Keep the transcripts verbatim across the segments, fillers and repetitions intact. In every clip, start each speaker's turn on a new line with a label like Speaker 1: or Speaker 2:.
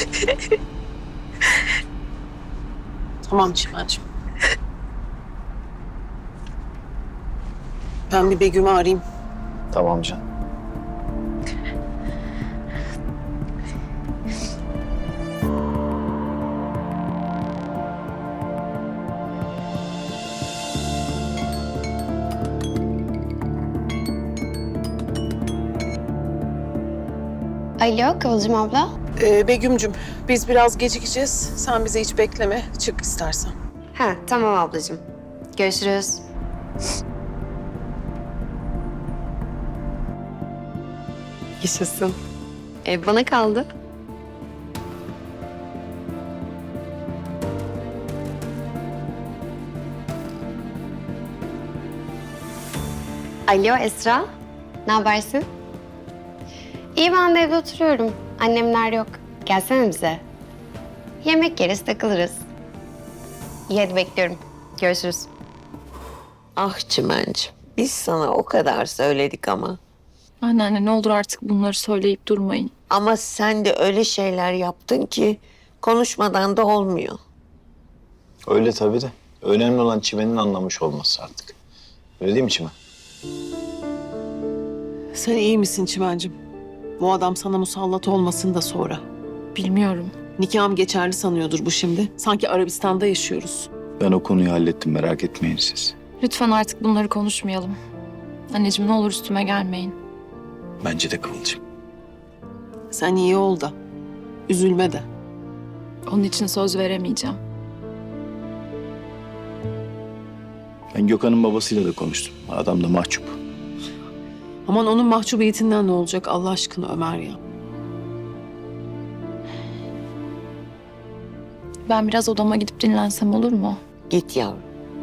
Speaker 1: Tamam Çimen'cim. Ben bir Begüm'ü arayayım.
Speaker 2: Tamam canım.
Speaker 3: Alo Kıvılcım abla.
Speaker 1: Ee, Begüm'cüm biz biraz gecikeceğiz. Sen bizi hiç bekleme. Çık istersen.
Speaker 3: Ha tamam ablacığım. Görüşürüz. Yaşasın. Ev bana kaldı. Alo Esra. Ne habersin? İyi, ben de evde oturuyorum. Annemler yok. Gelsene bize. Yemek yeriz, takılırız. İyi, hadi bekliyorum. Görüşürüz.
Speaker 4: Ah Çimen'cim, biz sana o kadar söyledik ama.
Speaker 5: Anneanne ne olur artık bunları söyleyip durmayın.
Speaker 4: Ama sen de öyle şeyler yaptın ki konuşmadan da olmuyor.
Speaker 2: Öyle tabii de. Önemli olan Çimen'in anlamış olması artık. Öyle değil mi Çimen?
Speaker 1: Sen iyi misin Çimen'cim? Bu adam sana musallat olmasın da sonra.
Speaker 5: Bilmiyorum.
Speaker 1: Nikahım geçerli sanıyordur bu şimdi. Sanki Arabistan'da yaşıyoruz.
Speaker 2: Ben o konuyu hallettim, merak etmeyin siz.
Speaker 5: Lütfen artık bunları konuşmayalım. Anneciğim ne olur üstüme gelmeyin.
Speaker 2: Bence de Kıvılcım.
Speaker 1: Sen iyi ol da. Üzülme de.
Speaker 5: Onun için söz veremeyeceğim.
Speaker 2: Ben Gökhan'ın babasıyla da konuştum. Adam da mahcup.
Speaker 1: Aman onun mahcubiyetinden ne olacak Allah aşkına Ömer ya.
Speaker 5: Ben biraz odama gidip dinlensem olur mu?
Speaker 4: Git yavrum.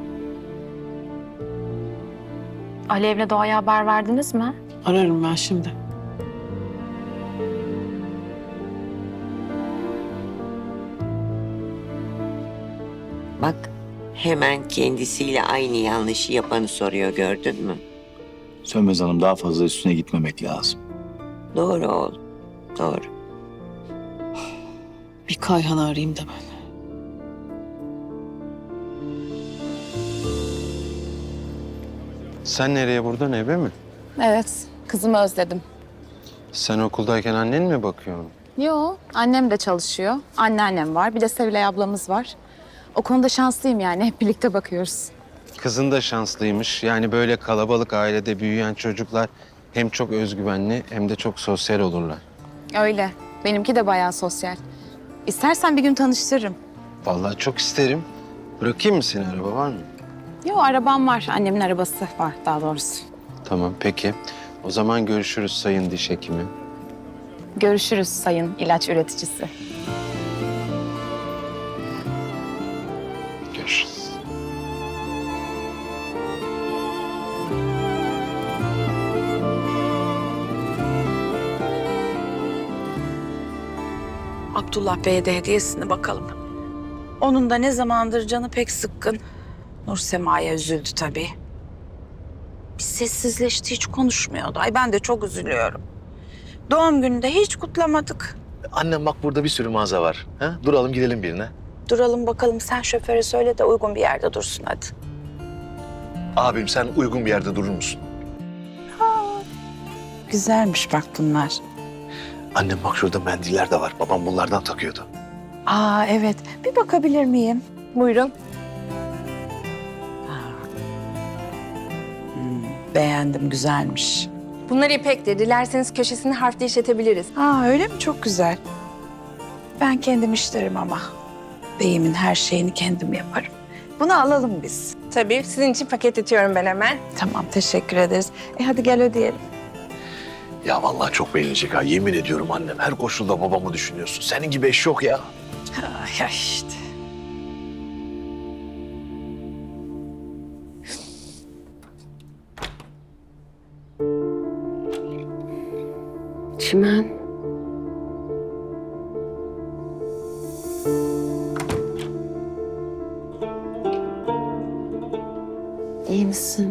Speaker 5: Alev'le Doğa'ya haber verdiniz mi?
Speaker 1: Ararım ben şimdi.
Speaker 4: Bak hemen kendisiyle aynı yanlışı yapanı soruyor, gördün mü?
Speaker 2: Sönmez Hanım, daha fazla üstüne gitmemek lazım.
Speaker 4: Doğru oğlum, doğru.
Speaker 1: Bir Kayhan'ı arayayım da ben.
Speaker 6: Sen nereye, buradan eve mi?
Speaker 7: Evet, kızımı özledim.
Speaker 6: Sen okuldayken annen mi bakıyor?
Speaker 7: Yo, annem de çalışıyor. Anneannem var, bir de Sevilay ablamız var. O konuda şanslıyım yani, hep birlikte bakıyoruz.
Speaker 6: Kızın da şanslıymış. Yani böyle kalabalık ailede büyüyen çocuklar hem çok özgüvenli hem de çok sosyal olurlar.
Speaker 7: Öyle, benimki de bayağı sosyal. İstersen bir gün tanıştırırım.
Speaker 6: Vallahi çok isterim. Bırakayım mı seni, araba var mı?
Speaker 7: Yo, arabam var, annemin arabası var daha doğrusu.
Speaker 6: Tamam, peki. O zaman görüşürüz sayın diş hekimi.
Speaker 7: Görüşürüz sayın ilaç üreticisi.
Speaker 6: Görüşürüz.
Speaker 8: Abdullah Bey'e de hediyesini bakalım. Onun da ne zamandır canı pek sıkkın. Nur Sema'ya üzüldü tabii. Bir sessizleşti, hiç konuşmuyordu. Ay ben de çok üzülüyorum. Doğum gününde hiç kutlamadık.
Speaker 9: Annem bak burada bir sürü mağaza var. Ha? Duralım gidelim birine.
Speaker 8: Duralım bakalım, sen şoföre söyle de uygun bir yerde dursun hadi.
Speaker 9: Abim sen uygun bir yerde durur musun?
Speaker 8: Güzelmiş bak bunlar.
Speaker 9: Annem bak şurada mendiller de var. Babam bunlardan takıyordu.
Speaker 8: Aa evet, bir bakabilir miyim?
Speaker 7: Buyurun.
Speaker 8: Beğendim, güzelmiş.
Speaker 7: Bunlar İpek'tir. Dilerseniz köşesini harfle işletebiliriz.
Speaker 8: Aa öyle mi? Çok güzel. Ben kendim işlerim ama. Beyimin her şeyini kendim yaparım. Bunu alalım biz.
Speaker 7: Tabii, sizin için paketletiyorum ben hemen.
Speaker 8: Tamam, teşekkür ederiz. E hadi gel ödeyelim.
Speaker 9: Ya vallahi çok beğenecek ha. Yemin ediyorum annem. Her koşulda babamı düşünüyorsun. Senin gibi eş yok ya.
Speaker 8: Ay, ay işte.
Speaker 3: Çimen. İyi misin?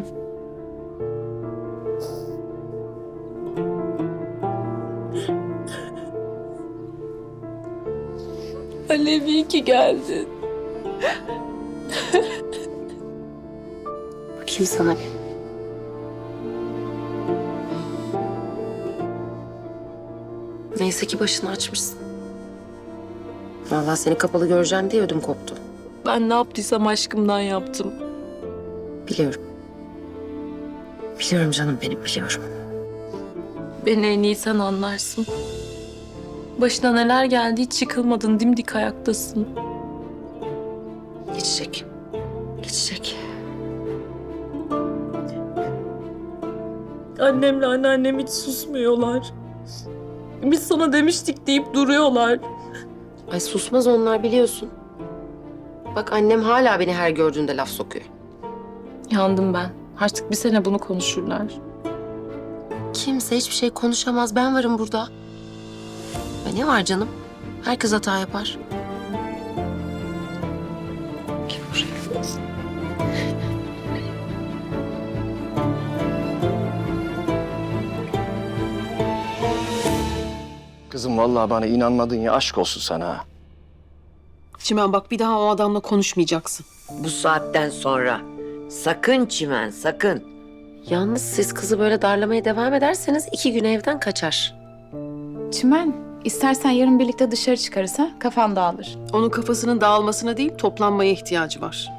Speaker 5: Alev iyi ki geldin.
Speaker 1: Bakayım sana bir. Neyse ki başını açmışsın. Vallahi seni kapalı göreceğim diye ödüm koptu.
Speaker 5: Ben ne yaptıysam aşkımdan yaptım.
Speaker 1: Biliyorum. Biliyorum canım benim, biliyorum.
Speaker 5: Beni en iyi sen anlarsın. Başına neler geldi hiç yıkılmadın, dimdik ayaktasın.
Speaker 1: Geçecek. Geçecek.
Speaker 5: Annemle anneannem hiç susmuyorlar. Biz sana demiştik deyip duruyorlar.
Speaker 1: Ay susmaz onlar, biliyorsun. Bak annem hala beni her gördüğünde laf sokuyor.
Speaker 5: Yandım ben. Artık bir sene bunu konuşurlar.
Speaker 1: Kimse hiçbir şey konuşamaz. Ben varım burada. Ve ne var canım? Herkes hata yapar. Gel buraya.
Speaker 10: Kızım vallahi bana inanmadın ya, aşk olsun sana. ha.
Speaker 1: Çimen bak, bir daha o adamla konuşmayacaksın.
Speaker 4: Bu saatten sonra sakın Çimen, sakın.
Speaker 1: Yalnız siz kızı böyle darlamaya devam ederseniz iki gün evden kaçar.
Speaker 7: Çimen, istersen yarın birlikte dışarı çıkarız ha? Kafan dağılır.
Speaker 1: Onun kafasının dağılmasına değil, toplanmaya ihtiyacı var.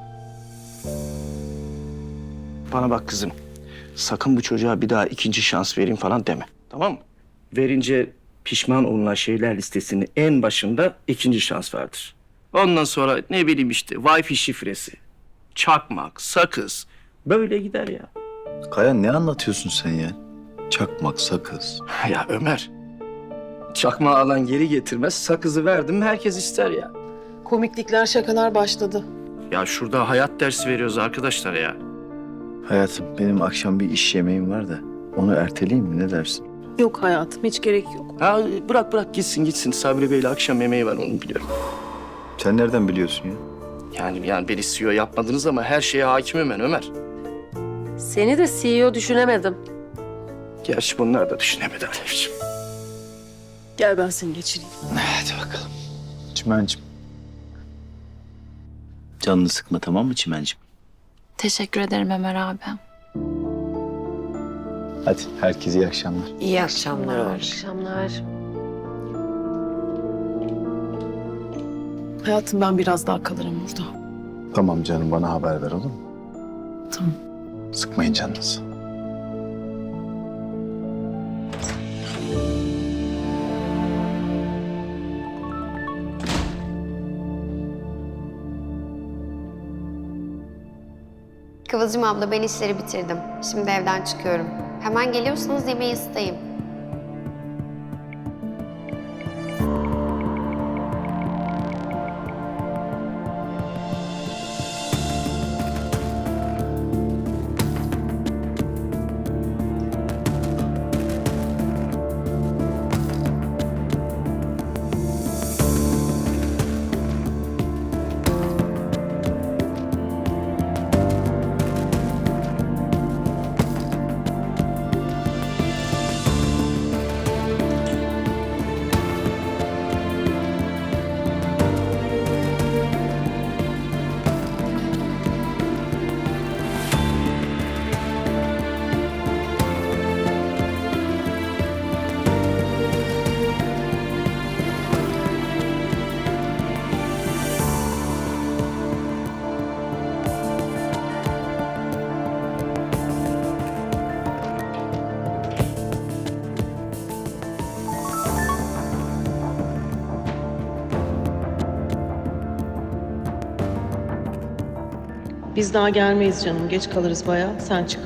Speaker 10: Bana bak kızım, sakın bu çocuğa bir daha ikinci şans vereyim falan deme, tamam mı? Verince pişman olunan şeyler listesinin en başında ikinci şans vardır. Ondan sonra ne bileyim işte Wi-Fi şifresi, çakmak, sakız, böyle gider ya.
Speaker 2: Kaya ne anlatıyorsun sen ya? Çakmak, sakız.
Speaker 10: Ya Ömer, çakmağı alan geri getirmez, sakızı verdim mi herkes ister ya.
Speaker 1: Komiklikler, şakalar başladı.
Speaker 10: Ya şurada hayat dersi veriyoruz arkadaşlar ya.
Speaker 2: Hayatım, benim akşam bir iş yemeğim var da onu erteleyeyim mi, ne dersin?
Speaker 1: Yok hayatım, hiç gerek yok.
Speaker 10: Ha bırak bırak gitsin gitsin, Sabri Bey'le akşam yemeği var, onu biliyorum.
Speaker 2: Sen nereden biliyorsun ya?
Speaker 10: Yani yani beni C E O yapmadınız ama her şeye hakimim ben Ömer.
Speaker 1: Seni de C E O düşünemedim.
Speaker 10: Gerçi bunlar da düşünemedi Alevciğim.
Speaker 1: Gel ben seni geçireyim.
Speaker 2: Hadi bakalım. Çimencim. Canını sıkma, tamam mı Çimencim?
Speaker 5: Teşekkür ederim Ömer abi.
Speaker 2: Hadi herkese iyi akşamlar.
Speaker 4: İyi akşamlar Ömer.
Speaker 1: akşamlar. Hayatım, ben biraz daha kalırım burada.
Speaker 2: Tamam canım, bana haber ver olur mu?
Speaker 1: Tamam.
Speaker 2: Sıkmayın canınızı.
Speaker 3: Kıvılcım abla, ben işleri bitirdim. Şimdi evden çıkıyorum. Hemen geliyorsanız yemeği ısıtayım.
Speaker 1: Biz daha gelmeyiz canım. Geç kalırız bayağı. Sen çık.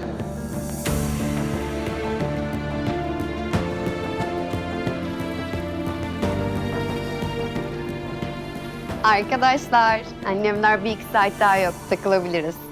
Speaker 3: Arkadaşlar, annemler bir iki saat daha yok. Takılabiliriz.